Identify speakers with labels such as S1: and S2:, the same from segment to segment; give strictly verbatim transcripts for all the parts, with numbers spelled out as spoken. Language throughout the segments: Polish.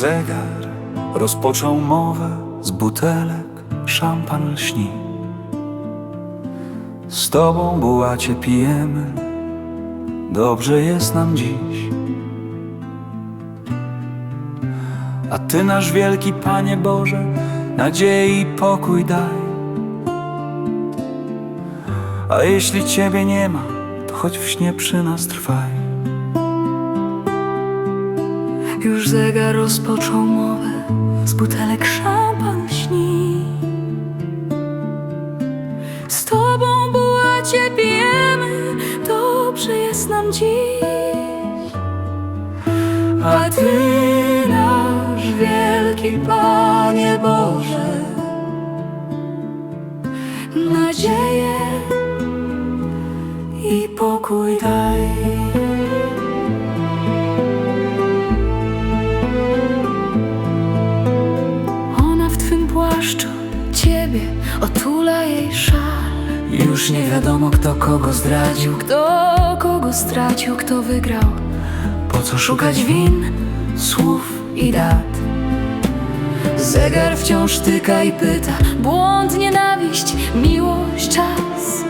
S1: zegar rozpoczął mowę, z butelek szampan lśni. Z Tobą, bułacie, pijemy, dobrze jest nam dziś. A Ty, nasz wielki Panie Boże, nadziei i pokój daj. A jeśli Ciebie nie ma, to choć w śnie przy nas trwaj.
S2: Już zegar rozpoczął mowę, z butelek szampan lśni. Z Tobą, bułacie, pijemy, dobrze jest nam dziś. A Ty, nasz wielki Panie Boże, nadzieję i pokój daj. Ona w Twym płaszczu Ciebie otula jej szal.
S1: Już nie wiadomo, kto kogo zdradził,
S2: Kto kogo stracił, kto wygrał.
S1: po co szukać
S2: Szukać win, słów i dat. Zegar wciąż tyka i pyta. Błąd, nienawiść, miłość, czas.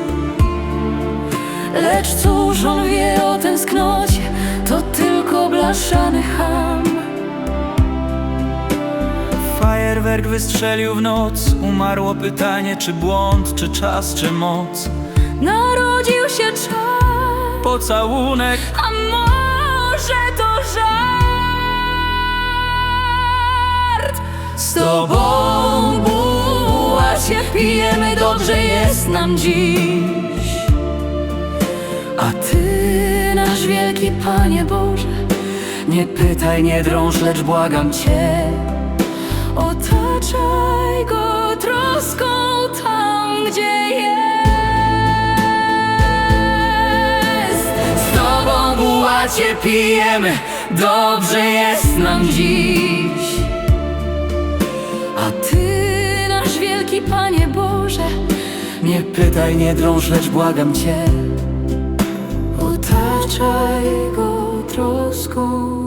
S2: Lecz cóż on wie o tęsknocie? To tylko blaszany cham.
S1: Fajerwerk wystrzelił w noc. Umarło pytanie, czy błąd, czy czas, czy moc.
S2: Narodził się czas.
S1: Pocałunek,
S2: A może to żart? Z Tobą, bułacie, pijemy, dobrze jest nam dziś. A Ty, nasz wielki Panie Boże,
S1: nie pytaj, nie drąż, lecz błagam Cię.
S2: otaczaj go troską tam, gdzie jest.
S1: Z Tobą, bułacie, pijemy, dobrze jest nam dziś.
S2: A Ty, nasz wielki Panie Boże,
S1: Nie pytaj, nie drąż, lecz błagam Cię.
S2: otaczaj go troską